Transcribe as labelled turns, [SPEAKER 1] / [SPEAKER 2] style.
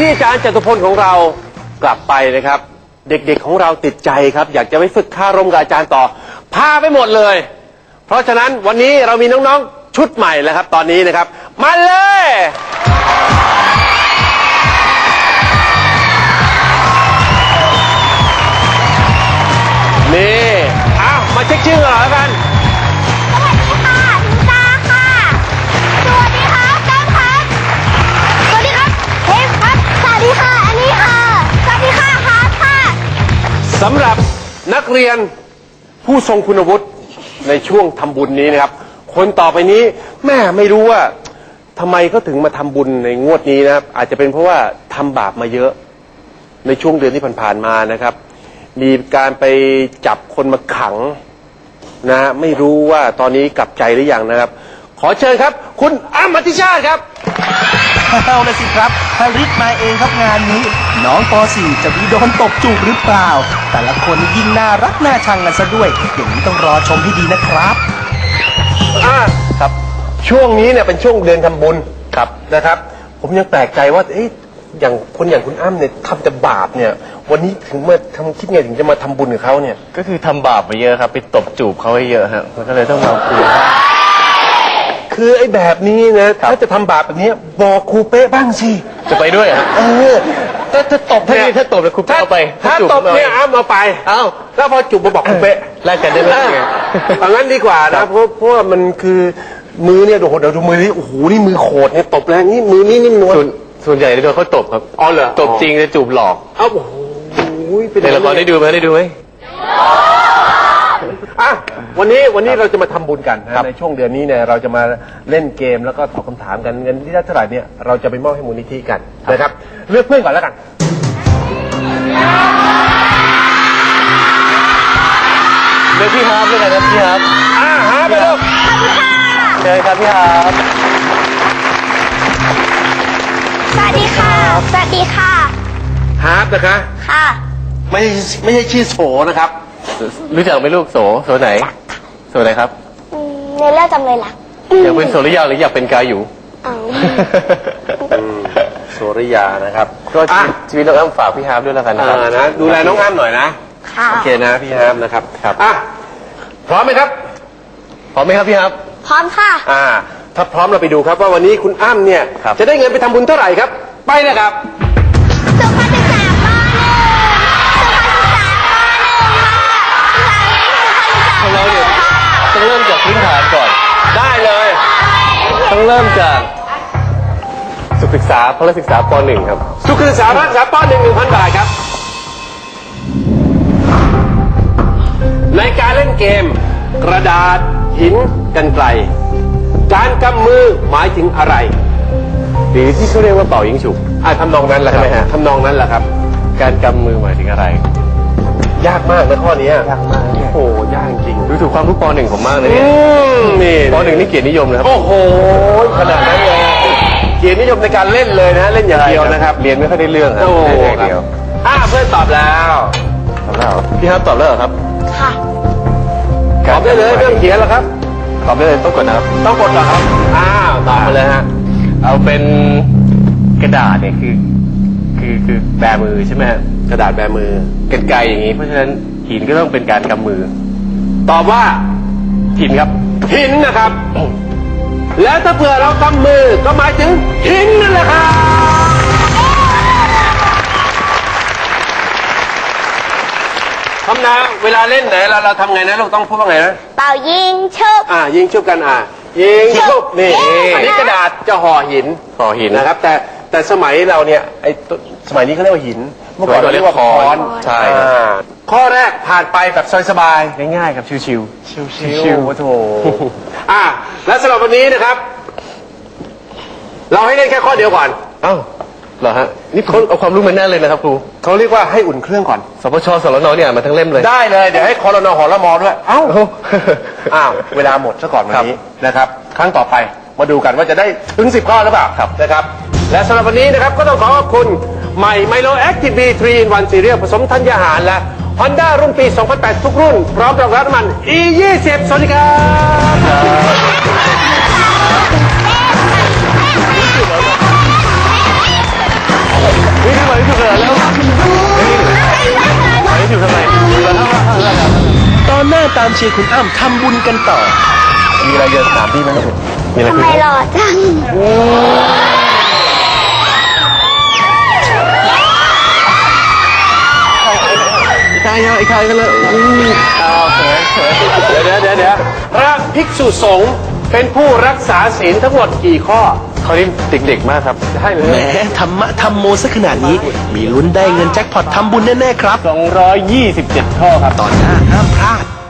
[SPEAKER 1] ที่อาจารย์จตุพลของเรากลับไปนะครับเด็กๆของเราติดใจครับอยากจะไปฝึกคารมกับอาจารย์ต่อพาไปหมดเลยเพราะฉะนั้นวันนี้เรามีน้องๆชุดใหม่แล้วครับตอนนี้นะครับมาเลยนี่อ้าวมาเช็คชื่อกันหน่อยแล้วกัน
[SPEAKER 2] สวัสดีค่ะนิตาค่ะสวัสดีครับแก้มครับสวัสดีครับเทมครับสวัสดีค่ะอันนี้ค่ะสวัสดีค่ะฮาร์ทค่ะ
[SPEAKER 1] สำหรับนักเรียนผู้ทรงคุณวุฒิในช่วงทำบุญนี้นะครับคนต่อไปนี้แม่ไม่รู้ว่าทำไมเขาถึงมาทำบุญในงวดนี้นะครับอาจจะเป็นเพราะว่าทำบาปมาเยอะในช่วงเดือนที่ผ่านๆมานะครับมีการไปจับคนมาขังนะไม่รู้ว่าตอนนี้กลับใจหรือยังนะครับขอเชิญครับคุณอ้ำ อธิชาติครับ
[SPEAKER 3] เอาละสิครับฮาริสมาเองครับงานนี้น้องป .4 จะมีโดนตบจูบหรือเปล่าแต่ละคนยิ่งน่ารักน่าชังกันซะด้วยอย่างนี้ต้องรอชมให้ดีนะครับ
[SPEAKER 1] ครับช่วงนี้เนี่ยเป็นช่วงเดือนทำบุญครับนะครับผมยังแปลกใจว่าอย่างคนอย่างคุณอ้ำเนี่ยทำแต่บาปเนี่ยวันนี้ถึงมาคิดไงถึงจะมาทำบุญกับเขาเนี่ย
[SPEAKER 4] ก็คือทำบาปมาเยอะครับไปตบจูบเขาให้เยอะฮะมันก็เลยต้องมาคุย
[SPEAKER 1] คือไอ้แบบนี้นะถ้าจะทำบาปแบบนี้บอกครูเป๊ะบ้างสิ
[SPEAKER 4] จะไปด้วยฮะถ้าตบเนี่ยถ้าตบแล้วครูเป๊ะเอาไป
[SPEAKER 1] ถ้าตบเนี่ยอ้ำเอาไปแล้วพอจูบมาบอกครูเป๊ะ
[SPEAKER 4] แลกกันได้ไหม
[SPEAKER 1] อย่างนั้นดีกว่านะเพราะว่ามันคือมือเนี่ยเดี๋ยวดูมือนี่โอ้โหนี่มือโขดเนี่ยตบแรงนี่มือนี่นิ่มนวล
[SPEAKER 4] ส่วนใหญ่โดนเขาตบครับ
[SPEAKER 1] อ๋อเหรอ
[SPEAKER 4] ตบจริงจะจูบหลอก
[SPEAKER 1] โอ้โห
[SPEAKER 4] ในละครได้ดูไหม
[SPEAKER 1] วันนี้เราจะมาทำบุญกันในช่วงเดือนนี้เนี่ยเราจะมาเล่นเกมแล้วก็ตอบคำถามกันเงินที่ได้เท่าไหร่เนี่ยเราจะไปมอบให้มูลนิธิกันนะครับเลือกเพื่อนก่อนแล้วกัน
[SPEAKER 4] เลือกพี่ฮาร์ปด้วยกันนะพี่ฮาร์ป
[SPEAKER 1] ฮาร์ปไปลูก
[SPEAKER 4] เชิญครับพี่ฮาร์ป
[SPEAKER 2] สวัสดีค่ะสวัสดีค่ะ
[SPEAKER 1] ฮาร์ปนะคะ
[SPEAKER 2] ค่ะ
[SPEAKER 1] ไม่ใช่ชื่อโสนะครับ
[SPEAKER 4] รู้จักไหมลูกโสไหนโสไหนครับ
[SPEAKER 2] ในเรื่องจำเลยรัก
[SPEAKER 4] อยากเป็นโสริยาหรืออยากเป็นกาอยู่
[SPEAKER 1] โสริยานะครับ
[SPEAKER 4] ก็ชีวิตน้องอ้ำฝากพี่ฮาร์ปด้วยแล้วกันนะครับ
[SPEAKER 1] นะดูแลน้องอ้ำหน่อยนะโอเคนะพี่ฮาร์ปนะครับพร้อมไหมครับ
[SPEAKER 4] พร้อมไหมครับพี่ฮาร์ป
[SPEAKER 2] พร้อมค่ะ
[SPEAKER 1] ถ้าพร้อมเราไปดูครับว่าวันนี้คุณอ้ำเนี่ยจะได้เงินไปทำบุญเท่าไหร่ครับไปเลยครับ
[SPEAKER 2] สุขศึกษาป
[SPEAKER 4] .1 ของเราเนี่ยต้องเริ่มจากพื้นฐานก่อน
[SPEAKER 1] ได้เลย
[SPEAKER 4] ต้องเริ่มจากสุขศึกษาพละศึกษาป .1 ครับ
[SPEAKER 1] สุขศึกษาพละศึกษาป .1 1,000 บาทครับในการเล่นเกมกระดาษหินกรรไกรการกำมือหมายถึงอะไร
[SPEAKER 4] หรือที่เขาเรียกว่าเป่ายิงฉุบ
[SPEAKER 1] ทำนองนั้นแหละใช่ไหมฮะทำนองนั้นแหละครับ
[SPEAKER 4] การกำมือหมายถึงอะไร
[SPEAKER 1] ยากมากนะข้อนี้ยากมากโอ้ยากจริง
[SPEAKER 4] ดูถูกความรู้ป .1 ผมมากเลยเนี่ยป .1 นี่เกียรตินิยมนะครับ
[SPEAKER 1] โอ้โหขนาดนั้นเลยเกียรตินิยมในการเล่นเลยนะเล่นอย่างเดียวนะครับ
[SPEAKER 4] เรียนไม่ค่อยได้เรื่องครับเล่นอย่างเดียว
[SPEAKER 1] เพื่อนตอบแล้ว
[SPEAKER 4] พี่ฮาร์ปตอบแล้วเหรอครับ
[SPEAKER 2] ค่ะ
[SPEAKER 1] ตอบได้เลยเรื่องเขียนแล้วครับ
[SPEAKER 4] ตอบได้เลยต้องกดนะครับ
[SPEAKER 1] ต้องกดเหรอครับตอบมาเลยฮะ
[SPEAKER 4] เอาเป็นกระดาษเนี่ยคือแบมือใช่ไหมฮะ
[SPEAKER 1] กระดาษแบมือกรรไกร
[SPEAKER 4] อย่างนี้เพราะฉะนั้นหินก็ต้องเป็นการกำมือ
[SPEAKER 1] ตอบว่า
[SPEAKER 4] หินครับ
[SPEAKER 1] หินนะครับแล้วถ้าเผื่อเรากำมือก็หมายถึงหินนั่นแหละครับทำนะเวลาเล่นไหนเราทำไงนะเราต้องพูดว่าไงนะ
[SPEAKER 2] เป่ายิงชุบ
[SPEAKER 1] ยิงชุบกันยิงชุบนี่อันนี้กระดาษจะห่อหินนะครับแต่สมัยเราเนี่ยสมัยนี้เขาเรียกว่าหิน
[SPEAKER 4] เมื่อก่อนเราเรียกว่าค้อน
[SPEAKER 1] ใช่ข้อแรกผ่านไปแบบสบาย
[SPEAKER 4] ๆง่ายๆครับชิว
[SPEAKER 1] ๆโอ้โหและสำหรับวันนี้นะครับเราให้เล่นแค่ข้อเดียวก่อน
[SPEAKER 4] เหรอฮะนี่คนเอาความรู้มาแน่เลยนะครับครู
[SPEAKER 1] เขาเรียกว่าให้อุ่นเครื่องก่อน
[SPEAKER 4] สปช.สรน.เนี่ยมาทั้งเล่มเลย
[SPEAKER 1] ได้เลยเดี๋ยวให้ครน.หรม.ด้วยเวลาหมดซะก่อนวันนี้นะครับครั้งต่อไปมาดูกันว่าจะได้ถึง10 ข้อหรือเปล่านะครับและสำหรับวันนี้นะครับก็ต้องขอบคุณใหม่ไมโลแอคทีฟ B3 in 1 Cereal ผสมธัญญาหารและ Honda รุ่นปี 2008 ทุกรุ่นพร้อมรองรับน้ำมัน E20 สวัสดีครับ
[SPEAKER 3] หน้าตามเชียร์คุณอ้ำทำบุญกันต่อ
[SPEAKER 1] มีอะไรจะถามพี่ไหมครับมีอะไร
[SPEAKER 2] ทำ
[SPEAKER 1] คุ
[SPEAKER 2] ไม
[SPEAKER 1] ย
[SPEAKER 2] หล่อจัง
[SPEAKER 1] ใช่ไอ้ใครกันเลยเดี๋ยวพระภิกษุสงฆ์เป็นผู้รักษาศีลทั้งหมดกี่ข้อเขานี่เด็กๆมากครับได้เล
[SPEAKER 3] แหม
[SPEAKER 1] ย
[SPEAKER 3] ธรรมะธรรมโมซะขนาดนี้ มีลุ้นได้เงินแจ็คพอตทำบุญแน่ๆครับ
[SPEAKER 4] 227 ข้อครับ
[SPEAKER 3] ตอนหน้าห้ามพลาด